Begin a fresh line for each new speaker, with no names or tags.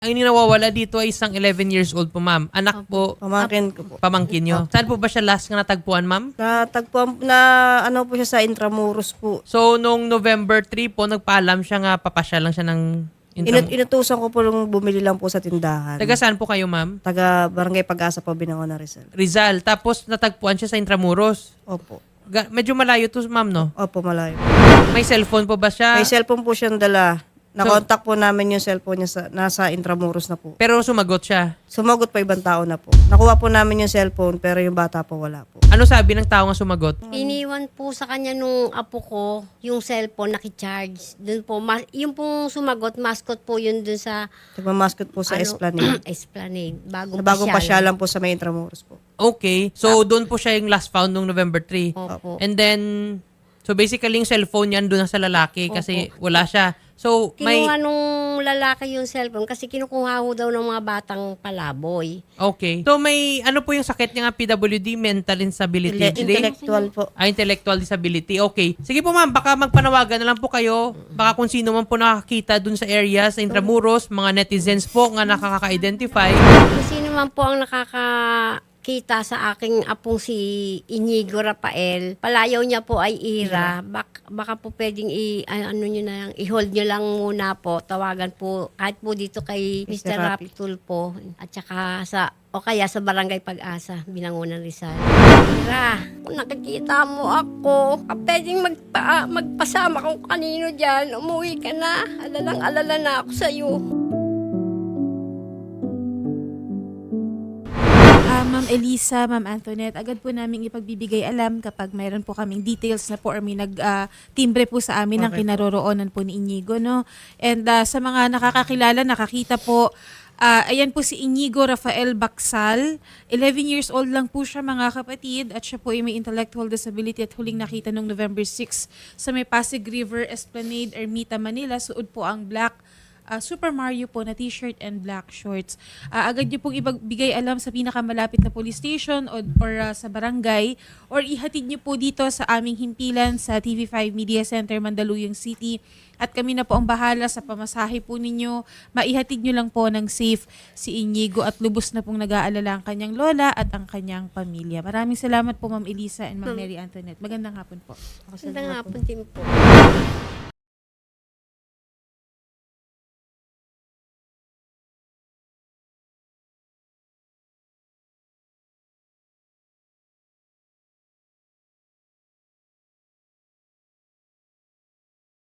Ang nawawala dito ay isang 11 years old po, ma'am. Anak po,
Pamangkin ko po.
pamangkin nyo. Saan po ba siya last nga natagpuan, ma'am?
Natagpuan na ano po siya sa Intramuros po.
So, nung November 3 po, nagpaalam siya nga, papasya lang siya ng
Inutusan ko po nung bumili lang po sa tindahan.
Taga saan po kayo, ma'am?
Taga Barangay Pag-asa po, Binangon na Rizal.
Rizal. Tapos natagpuan siya sa Intramuros.
Opo.
Medyo malayo to, ma'am, no?
Opo, malayo.
May cellphone po ba siya?
May cellphone po siyang dala. Nakontak po namin yung cellphone niya nasa Intramuros na po.
Pero sumagot siya.
Sumagot pa ibang tao na po. Nakuha po namin yung cellphone pero yung bata po wala po.
Ano sabi ng tao nga sumagot?
Iniwan po sa kanya nung apo ko yung cellphone nakicharge. Doon po, yung pong sumagot, mascot po yun dun sa
Nagmamaskot po sa Esplanade.
Esplanade.
Sa bagong pasyalan po sa may Intramuros po.
Okay. So, doon po siya yung last found nung November 3.
Opo.
And then, so basically yung cellphone niyan doon sa lalaki kasi wala siya. So,
Kinuha nung lalaki yung cellphone kasi kinukuha ho daw ng mga batang palaboy.
Okay. So, may ano po yung sakit niya nga PWD, mental instability?
Intellectual po.
Intellectual disability. Okay. Sige po, ma'am, baka magpanawagan na lang po kayo. Baka kung sino man po nakakita dun sa area, sa Intramuros, mga netizens po nga nakaka-identify.
Kung sino man po ang nakakakita sa aking apong si Inigo Rafael, palayaw niya po ay Ira. Baka po pwedeng i-hold nyo lang muna po. Tawagan po kahit po dito kay Mr. Rapi Tulpo at saka o kaya sa Barangay Pag-asa, Binangonan Rizal. Ira, kung nakikita mo ako, pwedeng magpasama kung kanino dyan. Umuwi ka na. Alalang-alala na ako sa'yo.
Ma'am Elisa, Ma'am Antoinette, agad po namin ipagbibigay alam kapag mayroon po kaming details na po or may nag-timbre po sa amin ng kinaroroonan po ni Inigo, no? And sa mga nakakakilala, nakakita po, ayan po si Inigo Rafael Bacsal. 11 years old lang po siya, mga kapatid, at siya po ay may intellectual disability at huling nakita noong November 6 sa may Pasig River Esplanade, Ermita, Manila. Suod po ang black Super Mario po na t-shirt and black shorts. Agad niyo pong ibigay alam sa pinakamalapit na police station or sa barangay or ihatid niyo po dito sa aming himpilan sa TV5 Media Center, Mandaluyong City. At kami na po ang bahala sa pamasahe po ninyo. Maihatid niyo lang po ng safe si Inigo at lubos na pong nag-aalala ang kanyang lola at ang kanyang pamilya. Maraming salamat po, Ma'am Elisa and Ma'am Mary Antoinette. Magandang hapon po.
Magandang hapon din po.